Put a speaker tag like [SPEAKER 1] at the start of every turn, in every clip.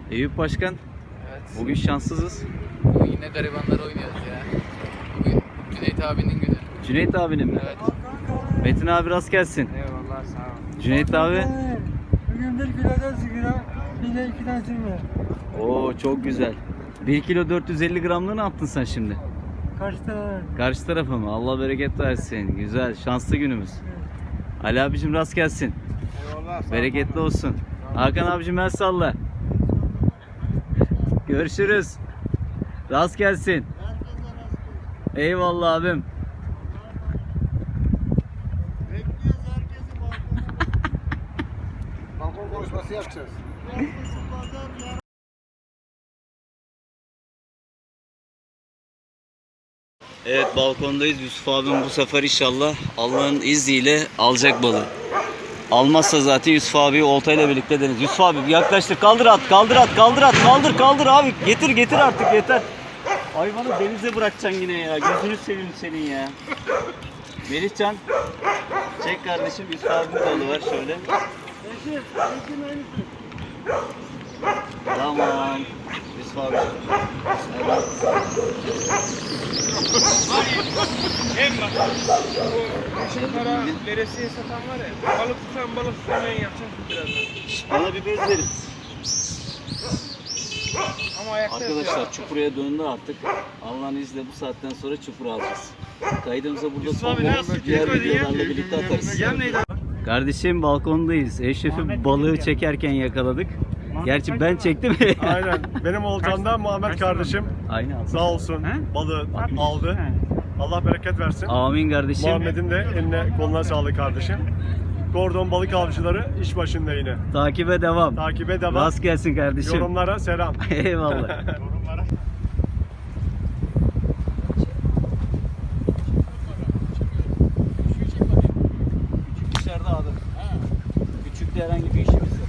[SPEAKER 1] Eyüp Başkan,
[SPEAKER 2] Evet.
[SPEAKER 1] bugün şanssızız.
[SPEAKER 2] Bugün yine garibanlar oynuyoruz ya. Bugün Cüneyt abinin günü.
[SPEAKER 1] Cüneyt abinin mi?
[SPEAKER 2] Evet.
[SPEAKER 1] Metin abi rast gelsin.
[SPEAKER 2] Eyvallah, sağ ol.
[SPEAKER 1] Cüneyt abi.
[SPEAKER 3] Bugün 1 kilodan sigara, bir de 2'den sürme.
[SPEAKER 1] Oo çok güzel. 1 kilo 450 gramlığı ne yaptın sen şimdi?
[SPEAKER 3] Kaç tane?
[SPEAKER 1] Karşı tarafa mı? Allah bereket versin. Güzel, şanslı günümüz. Ali abicim rast gelsin.
[SPEAKER 2] Eyvallah.
[SPEAKER 1] Bereketli olsun. Hakan abicim el salla. Görüşürüz. Rast gelsin. Eyvallah abim.
[SPEAKER 3] Bekliyoruz herkesi balkon konuşması yapacağız.
[SPEAKER 1] Evet, balkondayız. Yusuf abim bu sefer inşallah Allah'ın izniyle alacak balığı. Almazsa zaten Yusuf abi oltayla birlikte deniz. Yusuf abi yaklaştır. Kaldır at, kaldır at, kaldır at, kaldır abi. Getir artık yeter. Hayvanı denize bırakacaksın yine ya. Gözünü seveyim senin ya. Melihcan, çek kardeşim, Yusuf abimin balığı var şöyle. Tamam. Yusuf abi. Evet.
[SPEAKER 4] Para veresiye satan var ya, balık tutamayan yapacak birazdan.
[SPEAKER 1] Bana bir bez verin.
[SPEAKER 4] Ama ayakta
[SPEAKER 1] Arkadaşlar çukuraya döndü artık. Allah'ın izniyle bu saatten sonra çukura alacağız. Kaydımıza burada son buluruz. Diğer videolarla birlikte atarız. Kardeşim balkondayız. Eşref'i balığı çekerken yakaladık. Gerçi ben çektim.
[SPEAKER 5] Aynen. Benim oltamda Muhammed kardeşim
[SPEAKER 1] Aynı abi.
[SPEAKER 5] sağ olsun balığı aldı. Allah bereket versin.
[SPEAKER 1] Amin kardeşim.
[SPEAKER 5] Muhammed'in de eline koluna sağlık kardeşim. Kordon balık avcıları iş başında yine.
[SPEAKER 1] Takibe devam.
[SPEAKER 5] Takibe devam.
[SPEAKER 1] Rast gelsin kardeşim.
[SPEAKER 5] Yorumlara selam.
[SPEAKER 1] Eyvallah. Küçük dışarıda abi. Küçükte herhangi bir işimiz yok.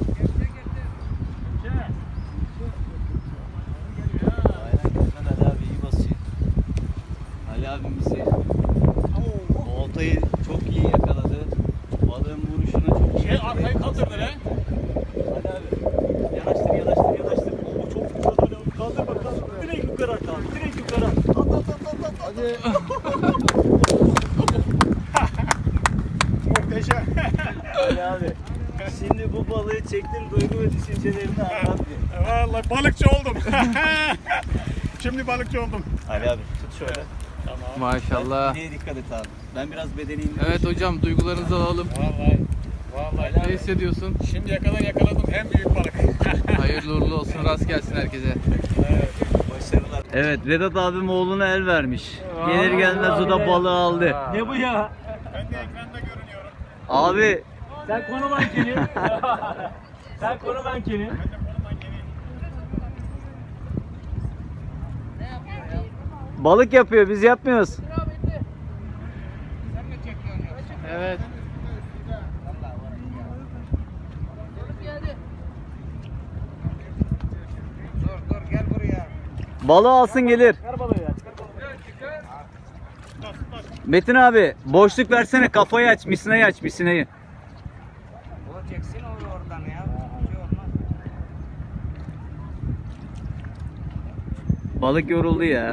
[SPEAKER 1] Aynen güzel, Ali abi iyi basıyor. Ali abimizi oltayı çok iyi yakaladı. Balığın vuruşunu çok iyi yakaladı.
[SPEAKER 4] arkayı kaldırdı lan.
[SPEAKER 1] Ali abi yanaştır. Oo, çok güzel Ali abi. Kaldır bakalım. Direkt yukarı at abi. Direkt yukarı at. At. Hadi.
[SPEAKER 5] Muhteşem.
[SPEAKER 1] Ali abi. Şimdi bu balığı çektin, duygu ve düşüncelerini anlat bir.
[SPEAKER 5] Vallahi balıkçı oldum. Şimdi balıkçı oldum.
[SPEAKER 1] Ali abi tut şöyle.
[SPEAKER 2] Maşallah.
[SPEAKER 1] Neye dikkat et abi. Ben biraz bedeniyim.
[SPEAKER 2] Evet hocam, duygularınızı alalım.
[SPEAKER 4] Vallahi
[SPEAKER 2] Ne hissediyorsun?
[SPEAKER 4] şimdiye kadar yakaladım en büyük balık.
[SPEAKER 2] Hayırlı uğurlu olsun, rast gelsin herkese.
[SPEAKER 1] Başarılar. Evet, Vedat abim oğluna el vermiş. Gelir gelmez o da balığı aldı.
[SPEAKER 3] Ne bu ya?
[SPEAKER 5] Ben de ekranda görünüyorum.
[SPEAKER 1] Abi
[SPEAKER 3] Sen konu mankeni. Sen konu mankeni.
[SPEAKER 1] balık yapıyor, biz yapmıyoruz.
[SPEAKER 2] Evet.
[SPEAKER 1] Balığı alsın gelir. Metin abi boşluk versene, kafayı aç, misinayı aç, misinayı. Balık yoruldu ya.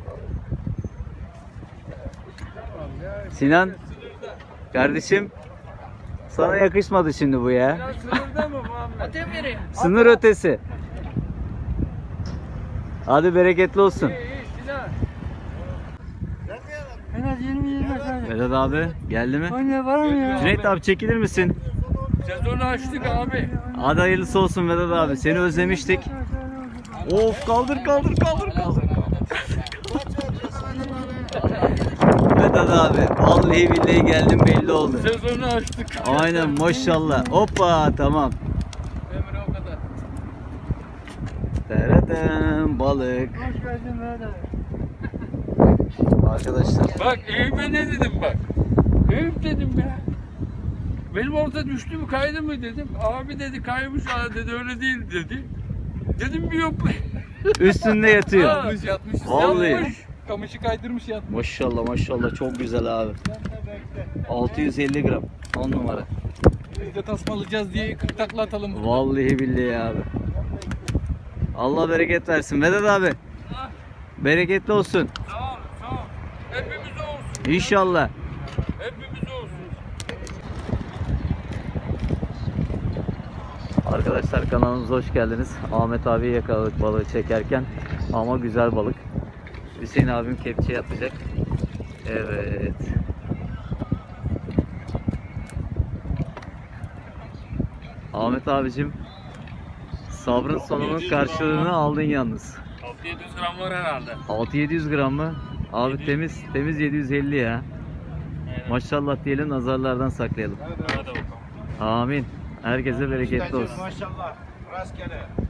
[SPEAKER 1] Sinan kardeşim, sana yakışmadı şimdi bu ya.
[SPEAKER 4] Sınırda mı Muhammed?
[SPEAKER 1] Sınır ötesi. Hadi bereketli olsun.
[SPEAKER 4] Sinan.
[SPEAKER 3] En az 20-25 tane.
[SPEAKER 1] Vedat abi geldi mi?
[SPEAKER 3] Anne var mı ya?
[SPEAKER 1] Cüneyt abi çekilir misin?
[SPEAKER 4] Sezonu açtık abi.
[SPEAKER 1] Hadi hayırlısı olsun Vedat abi. Seni özlemiştik. Of kaldır. Vedat abi vallahi billahi geldim belli oldu.
[SPEAKER 4] Sezonu açtık.
[SPEAKER 1] Aynen maşallah. Hoppa tamam.
[SPEAKER 4] Emre o kadar.
[SPEAKER 1] Taradım balık.
[SPEAKER 3] Hoş geldin Mehmet abi.
[SPEAKER 1] Arkadaşlar
[SPEAKER 4] Bak Eyüp'e ne dedim bak. Eyüp dedim ya. Benim orta düştü mü kaydı mı dedim. Abi dedi kaymış dedi öyle değil dedi. Dedim bir yok.
[SPEAKER 1] üstünde yatıyor.
[SPEAKER 4] Yatmış.
[SPEAKER 1] Vallahi.
[SPEAKER 4] Yatmış. Kamışı kaydırmış yatmış.
[SPEAKER 1] Maşallah çok güzel abi. 650 gram. 10 numara.
[SPEAKER 4] Biz de tasmalayacağız diye 40 takla atalım.
[SPEAKER 1] Vallahi billahi abi. Allah bereket versin. Vedat abi. Bereketli olsun.
[SPEAKER 4] Sağ ol, sağ ol. Hepimiz olsun.
[SPEAKER 1] İnşallah.
[SPEAKER 4] Hepimiz olsun.
[SPEAKER 1] Arkadaşlar kanalımıza hoş geldiniz. Ahmet abi yakaladık balığı çekerken. Ama güzel balık. Hüseyin abim kepçe yapacak. Evet. Ahmet abicim, sabrın sonunun karşılığını aldın yalnız.
[SPEAKER 4] 600 gram var herhalde.
[SPEAKER 1] 600-700 gram mı? Abi temiz 750 ya. Maşallah diyelim, nazarlardan saklayalım.
[SPEAKER 4] Hadi bakalım.
[SPEAKER 1] Amin. Herkese bereketli olsun.
[SPEAKER 3] Maşallah. Rastgele.